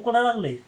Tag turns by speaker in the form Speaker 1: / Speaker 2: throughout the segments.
Speaker 1: उकडा लागले.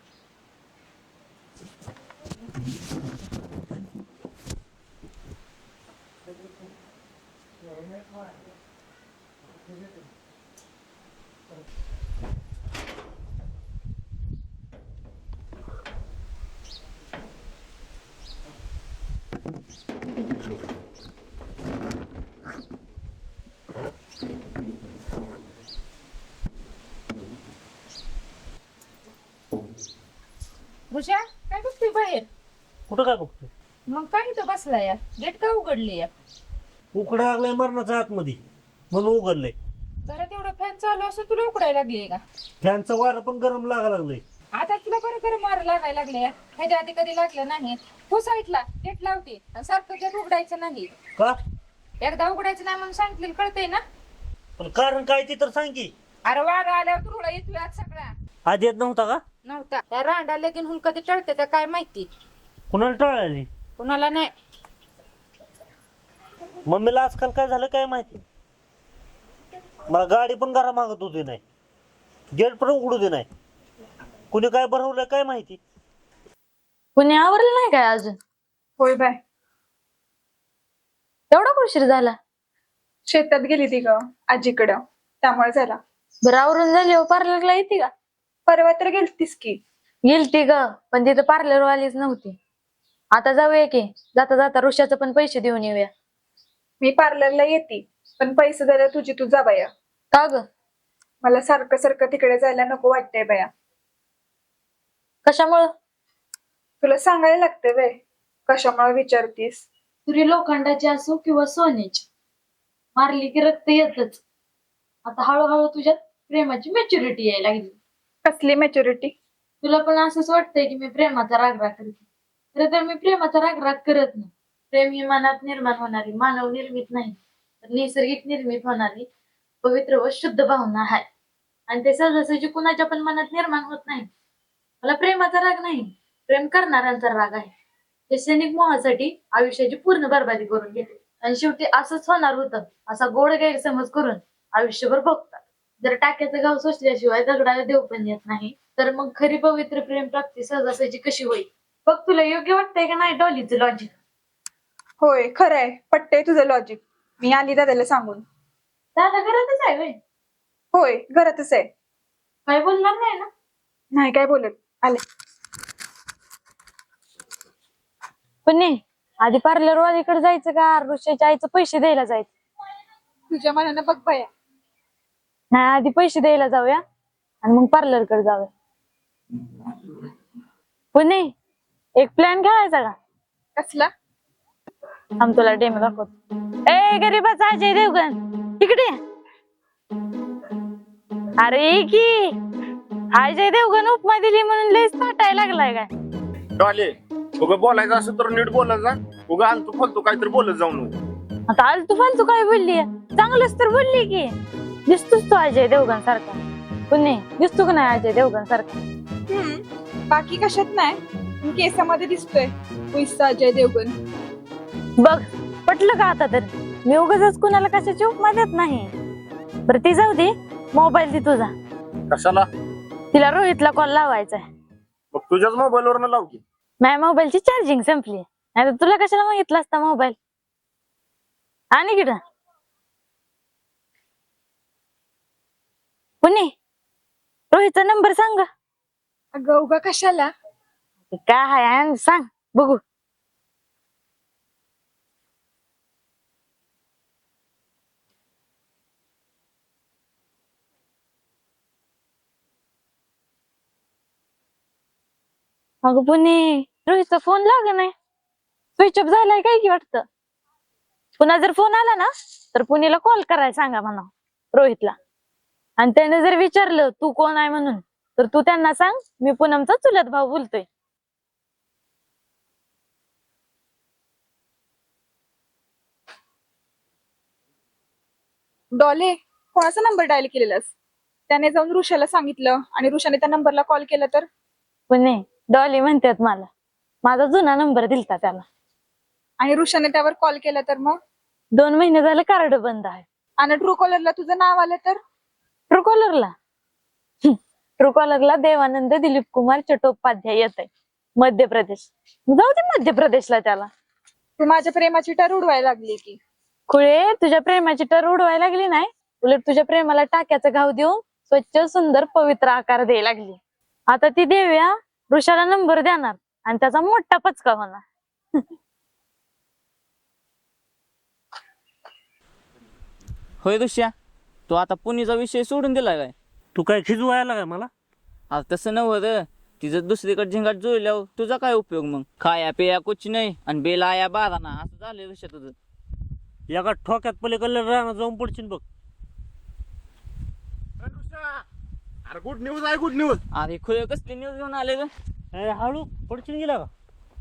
Speaker 2: ऋषा काय बघतोय बाहेर?
Speaker 1: कुठं काय बघतोय?
Speaker 2: मग काय इथं बसला या? गेट का उघडली या?
Speaker 1: उकडा लागलाय मरणाच्या आतमध्ये म्हणून उघडलंय.
Speaker 2: घरात एवढं फॅन चालू असं तुला उकडायला लागली का?
Speaker 1: फॅनचं वारं पण गरम लागायला लागलंय.
Speaker 2: आता तुला बरं बरं मार लागायला लागले या. ह्याच्या आधी कधी लागलं नाही. तू साईडला गेट लावते आणि सारखं गेट उघडायचं नाही.
Speaker 1: का?
Speaker 2: एकदा उघडायचं नाही म्हणून सांगितलेलं कळतंय ना?
Speaker 1: पण कारण काय ते तर सांग की.
Speaker 2: अरे वारा आल्यावर तुला येतोय आज सगळा.
Speaker 1: आधी येत नव्हता का?
Speaker 2: नव्हता त्या रांडा लगीन हुन कधी टळते त्या काय माहिती.
Speaker 1: कुणाला टळाली?
Speaker 2: कुणाला नाही.
Speaker 1: मम्मीला आजकाल काय झालं काय माहिती. मला गाडी पण घरा मागत होती नाही, गेट पण उघडू दे नाही. कुणी काय बनवलंय काय माहिती.
Speaker 3: कुणी आवरलं नाही काय अजून?
Speaker 4: होय बाय,
Speaker 3: एवढा उशीर झाला?
Speaker 4: शेतात गेली ती ग आजीकडं, त्यामुळे झाला.
Speaker 3: बरं आवरून झाली हो, पार्लरला येते का?
Speaker 4: परवा तर गेलतीस की.
Speaker 3: गेलती ग, पण तिथं पार्लर वालीच नव्हती. आता जाऊया की, जाता जाता ऋषाचं पण पैसे देऊन येऊया.
Speaker 4: मी पार्लरला येते, पण पैसे द्यायला तुझी तू जा बाया.
Speaker 3: का ग?
Speaker 4: मला सारखं सारखं तिकडे जायला नको वाटतंय बाया.
Speaker 3: कशामुळं?
Speaker 4: तुला सांगायला लागतंय वे, कशामुळे विचारतीस?
Speaker 3: तुरी लोखंडाची असो किंवा सोन्याची, मारली की रक्त येतच. आता हळूहळू तुझ्यात प्रेमाची मॅच्युरिटी यायला लागली.
Speaker 4: कसली मॅच्युरिटी?
Speaker 3: तुला पण असंच वाटतंय की मी प्रेमाचा रागराग करते. खरं तर मी प्रेमाचा रागराग करत नाही. प्रेम ही मनात निर्माण होणारी, मानव निर्मित नाही तर नैसर्गिक निर्मित होणारी पवित्र व शुद्ध भावना आहे. आणि ते सहजासहजी कुणाच्या पण मनात निर्माण होत नाही. मला प्रेमाचा राग नाही, प्रेम करणाऱ्यांचा राग आहे. ते क्षणिक मोहासाठी आयुष्याची पूर्ण बर्बादी करून घेते आणि शेवटी असंच होणार होतं असा गोड गैरसमज करून आयुष्यभर भोगतात. जर टाक्याचं गाव सोसल्याशिवाय दगडाला देव पण येत नाही, तर मग खरी पवित्र प्रेम प्राप्ती सहजासहजी कशी होईल? बघ, तुला योग्य वाटतंय का नाही डॉलीचं लॉजिक?
Speaker 4: होय खरंय, पटतंय तुझं लॉजिक. मी आली दादाला सांगून.
Speaker 3: दादा घरातच आहे व्हय?
Speaker 4: होय घरातच आहे.
Speaker 3: काय बोलणार नाही ना?
Speaker 4: नाही काय बोलत. आले.
Speaker 3: पण नाही, आधी पार्लर वालीकडे जायचं का ऋषाच्या आईचं पैसे द्यायला जायचं?
Speaker 4: तुझ्या मनानं बघ बाया.
Speaker 3: नाही, आधी पैसे द्यायला जाऊया आणि मग पार्लर कडे जाऊया. पण नाही, एक प्लॅन खेळायचा का?
Speaker 4: कसला?
Speaker 3: आम तुला डेमो दाखवतो. ए गरीबाचा अजय देवगण, तिकडे ये. अरे की अजय देवगण उपमा दिली म्हणून लयच ताटायला लागलाय काय?
Speaker 5: डॉले, उगा बोलायचं असं तर नीट बोलायचं जा. उगा आलतू फालतू काहीतरी बोलत जाऊ नको.
Speaker 3: आता आलतू फालतू काय बोलली? चांगलंच तर बोलली की. दिसतोस तो अजय देवगण सारखा. पण नाही, दिसतो का नाही अजय देवगण सारखा?
Speaker 4: बाकी कशात नाही, पण केसामध्ये दिसतोय पैसा अजय देवगण.
Speaker 3: बघ, पटलं का आता? तर मी उगाच कुणाला कशाची उपमा देत नाही. बरं ती जाऊ दे, मोबाईल दे तुझा.
Speaker 5: कशाला?
Speaker 3: तिला रोहितला कॉल लावायचा आहे.
Speaker 5: मग तुझ्याच मोबाईलवर लाव की.
Speaker 3: माझ्या मोबाईलची चार्जिंग संपली. नाही तर तुला कशाला मागितला असता मोबाईल? आणि किड पुणे रोहितचा नंबर सांग.
Speaker 4: अगं उगा कशाला?
Speaker 3: काय आहे सांग बघू. अगं पुणे, रोहितचा फोन लाग नाही, स्विच ऑफ झालाय काय की वाटतं. पुन्हा जर फोन आला ना तर पुणेला कॉल करायला सांगा म्हणा रोहितला. आणि त्याने जर विचारलं तू कोण आहे म्हणून, तर तू त्यांना सांग मी पूनमचा चुलत भाऊ बोलतोय.
Speaker 4: डॉले, कोणाचा नंबर डायल केलेलास? त्याने जाऊन ऋषाला सांगितलं आणि ऋषाने त्या नंबरला कॉल केला तर?
Speaker 3: पुणे डॉली म्हणतात मला, माझा जुना नंबर दिलता त्याला.
Speaker 4: आणि ऋषाने त्यावर कॉल केला तर मग?
Speaker 3: 2 महिने झाले कार्ड बंद आहे.
Speaker 4: आणि ट्रू कॉलरला तुझं नाव आलं तर?
Speaker 3: ट्रू कॉलरला ट्रूकॉलरला देवानंद दिलीप कुमार चट्टोपाध्याय येत आहे, मध्य प्रदेश. जाऊ दे मध्य प्रदेशला त्याला.
Speaker 4: तू माझ्या प्रेमाची टर उडवायला लागली की.
Speaker 3: खुळे, तुझ्या प्रेमाची टर उडवायला लागली नाही, उलट तुझ्या प्रेमाला टाक्याचा घाव देऊन स्वच्छ सुंदर पवित्र आकार द्यायला लागली. आता ती देव्या ऋषाला नंबर देणार आणि त्याचा मोठा पचका होणार.
Speaker 6: होय दुष्या, तू आता पुणेचा विषय सोडून दिला काय?
Speaker 1: तू काय खिजवायला काय मला?
Speaker 6: आता तसं नव्हतं, तिचं दुसरीकडे झिंगाट जुळल्यावर तुझा काय उपयोग मग? खाया पिया कुछ नाही आणि बेल आया बाराना, असं झालं दुष्या तुझं.
Speaker 1: एका ठोक्यात पलीकडल्या राहणार जाऊन पडशील बघ.
Speaker 5: अरे गुड न्यूज आहे, गुड न्यूज.
Speaker 6: अरे खुले कसली न्यूज घेऊन आले ग?
Speaker 1: अरे हळू पडशील गेला का?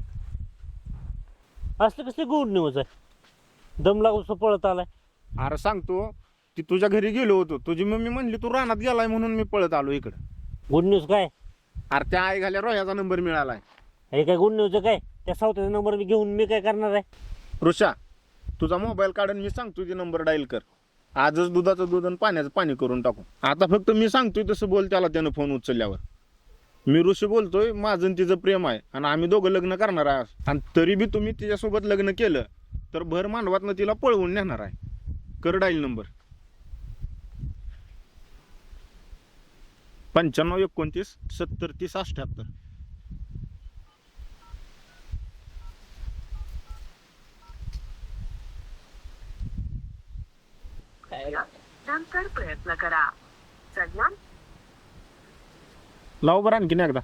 Speaker 1: असलं कसली गुड न्यूज आहे? दम लागू पळत आलाय.
Speaker 5: अरे सांगतो, ती तुझ्या घरी गेलो होतो, तुझी मम्मी म्हणली तू रानात गेलाय म्हणून मी पळत आलो इकडं.
Speaker 1: गुड न्यूज काय?
Speaker 5: अरे त्या आई घाल्या रोह्याचा नंबर मिळालाय.
Speaker 1: हे काय गुड न्यूज काय? त्या सावत्याचा नंबर मी घेऊन मी काय करणार आहे?
Speaker 5: ऋषा, तुझा मोबाईल काढून मी सांगतो ती नंबर डायल कर. आजच दुधाचं दूध आणि पाण्याचं पाणी करून टाकू. आता फक्त मी सांगतोय तसं बोल त्याला, त्यानं फोन उचलल्यावर. मी ऋषी बोलतोय, माझं आणि तिचं प्रेम आहे आणि आम्ही दोघं लग्न करणार आहे. आणि तरी बी तुम्ही तिच्यासोबत लग्न केलं तर भर मांडवातनं तिला पळवून नेणार आहे. कर डाईल नंबर 9529703078.
Speaker 7: नंतर प्रयत्न करा. सन्मान
Speaker 5: लाव बरं आणखीन एकदा.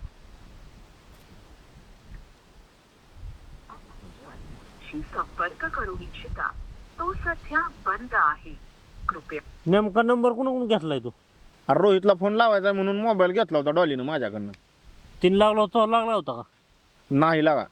Speaker 7: संपर्क करू इच्छिता तो सध्या बंद आहे. कृपया
Speaker 1: नेमका नंबर कुणाकडून घेतलाय तू?
Speaker 5: अरे रोहितला फोन लावायचा म्हणून मोबाईल घेतला होता डॉलीनं माझ्याकडनं.
Speaker 1: 3 लागला होता का?
Speaker 5: नाही लागा.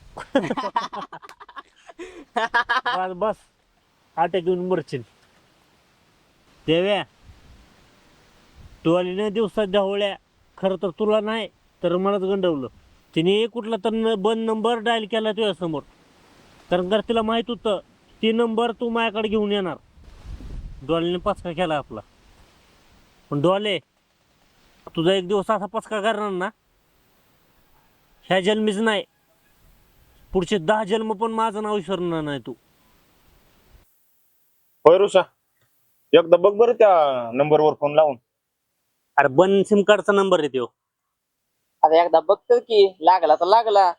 Speaker 1: बस बस, अटॅक येऊन मरशील. देव्या, तू आली नाही दिवसात ढवळ्या. खरं तर तुला नाही तर मलाच गंडवलं. तिने कुठला तर बंद नंबर डायल केला तुझ्या समोर. कारण जर तिला माहित होतं ती नंबर तू माझ्याकडे घेऊन येणार. डॉलीने पचका केला आपला. पण डॉले, तुझा एक दिवस असा पचका करणार ना, ह्या जन्मीच नाही, पुढचे 10 जन्म पण माझं नाव विसरणार नाही तू.
Speaker 5: होय ऋषा, एकदा बघ बरं त्या नंबरवर फोन लावून.
Speaker 1: अरे बन सिम कार्डचा नंबर आहे तो.
Speaker 6: आता एकदा बघतो की लागला तर लागला.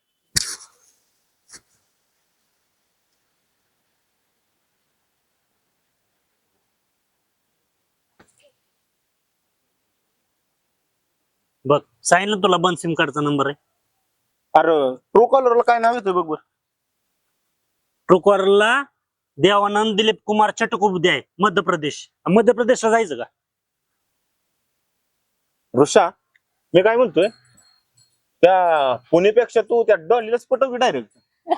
Speaker 1: बघ, सांगितलं तुला बन सिम कार्डचा नंबर आहे.
Speaker 5: अरे ट्रू कॉलरला काय नाव येतं बघ बरं.
Speaker 1: ट्रूकॉलरला देवानंद दिलीप कुमार चट्टोपाध्याय, मध्य प्रदेश. मध्य प्रदेशला जायचं का?
Speaker 5: ऋषा, मी काय म्हणतोय, त्या पुणेपेक्षा तू त्या डॉलीलाच पटव डायरेक्ट.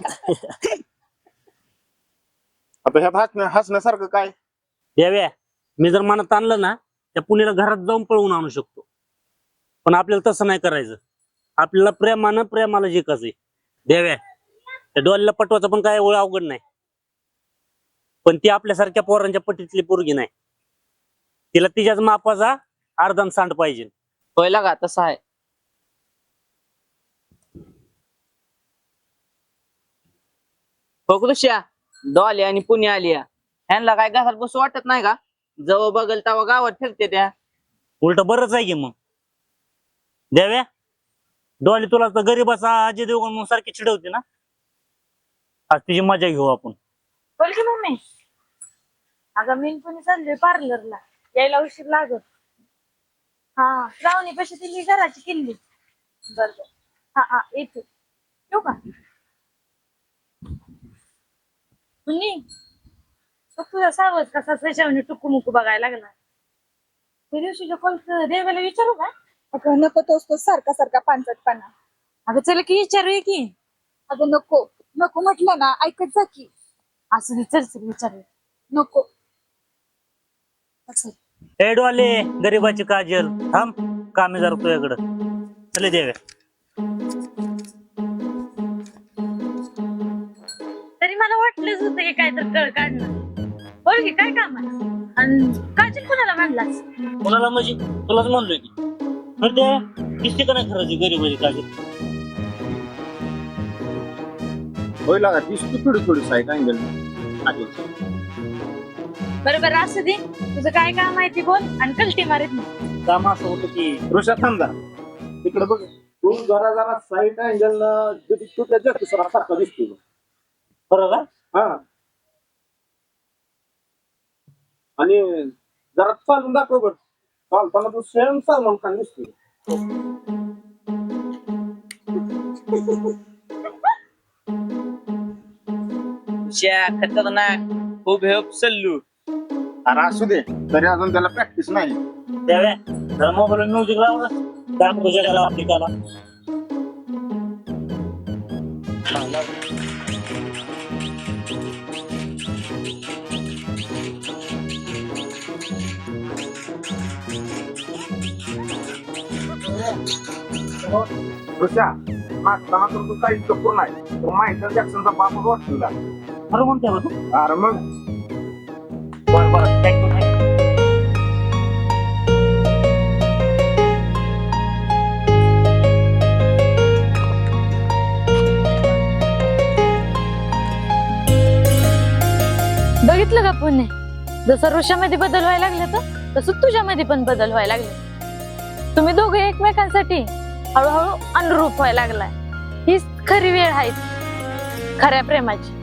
Speaker 5: आता ह्यात हसण्यासारखं काय?
Speaker 1: देव्या, मी जर मनात आणलं ना, त्या पुण्याला घरात जाऊन पळवून आणू शकतो. पण आपल्याला तसं नाही करायचं. आपल्याला प्रेमाला जिंकायचंय. देव्या, त्या डॉलीला पटवायचं पण काय एवढं अवघड नाही. पण ती आपल्यासारख्या पोरांच्या पटीतली पोरगी नाही. तिला तिच्याच मापाचा अर्धान सांड पाहिजे.
Speaker 6: होय लागा, तसं आहे. बघ दुष्या, डॉली आणि पुणे आली. ह्यांना काय घरात बसू वाटत नाही का? जवळ बघल तेव्हा गावात फिरते त्या.
Speaker 1: उलट बरंच आहे की मग. देव्या, डॉली तुला तर गरीबाचा अजय देवगण म्हणून सारखी चिडवते ना. आज तिची मजा घेऊ आपण.
Speaker 3: बोल की मम्मी. अगं मी पण चाललोय पार्लरला, यायला उशीर लागत. हा, श्रावणी पैसे दिली घराची किल्ली. बरोबर. हा येते. येऊ का? मुन्नी, तो तुझा सावज कसा त्याच्यावर टुकू मुकू बघायला लागला. त्या दिवशीच्या कॉल देवाला विचारू का?
Speaker 4: अगं नको, तोच तो सारखा सारखा पानसटपणा.
Speaker 3: अगं चल की विचारूया की.
Speaker 4: अगं नको नको म्हटलं ना, ऐकत जा की.
Speaker 3: असं चल चल विचारूया.
Speaker 4: नको. असं
Speaker 1: ए डॉले, गरीबाची काजल, थांब, कामे जरा तुझ्याकडं. चले देव्या.
Speaker 3: तरी मला वाटलंच होतं की काय तर कळ काढणार. बोल की काय काम आहे? आणि काजल कोणाला म्हणलास?
Speaker 1: कोणाला म्हणजे? तुलाच म्हणलोय की. खरं ते दिसते का नाही खरं गरीब म्हणजे काजल?
Speaker 5: होय लागा दिसतो थोडी थोडी साईड अँगल
Speaker 3: बरोबर असू दे, तुझं काय काम आहे ते बोल आणि कल्टी मारीत नाही.
Speaker 1: काम असं होतं की
Speaker 5: ऋषा थांब जरा तिकडे बघ तू जरा जरा साईड अँगल तुझ्या सारखा दिसतो
Speaker 1: खरं का?
Speaker 5: हा आणि जरा चालून दाखव बरं चालताना तू सेम सलमान खान दिसतो.
Speaker 6: श्या खतरनाक खूप हेप सल्लू.
Speaker 5: अरे असू दे तरी अजून त्याला प्रॅक्टिस नाही.
Speaker 1: त्यावे जरा मोबाईल म्युझिक लाव दाखव जगाला आपली कला.
Speaker 5: ऋषा नाचताना तर तू काही कपूर नाही तर मायकल जॅक्सनचा बापच वाटतो तुला.
Speaker 1: खरं म्हणते बा तू?
Speaker 5: अरे मग
Speaker 1: बरं बरं थँक्यू थँक्यू.
Speaker 3: बघितलं का पुणे, जसं ऋषामध्ये बदल व्हायला लागले तर तसं तुझ्यामध्ये पण बदल व्हायला लागले. तुम्ही दोघे एकमेकांसाठी हळूहळू अनुरूप व्हायला लागलाय. हीच खरी वेळ आहे खऱ्या प्रेमाची.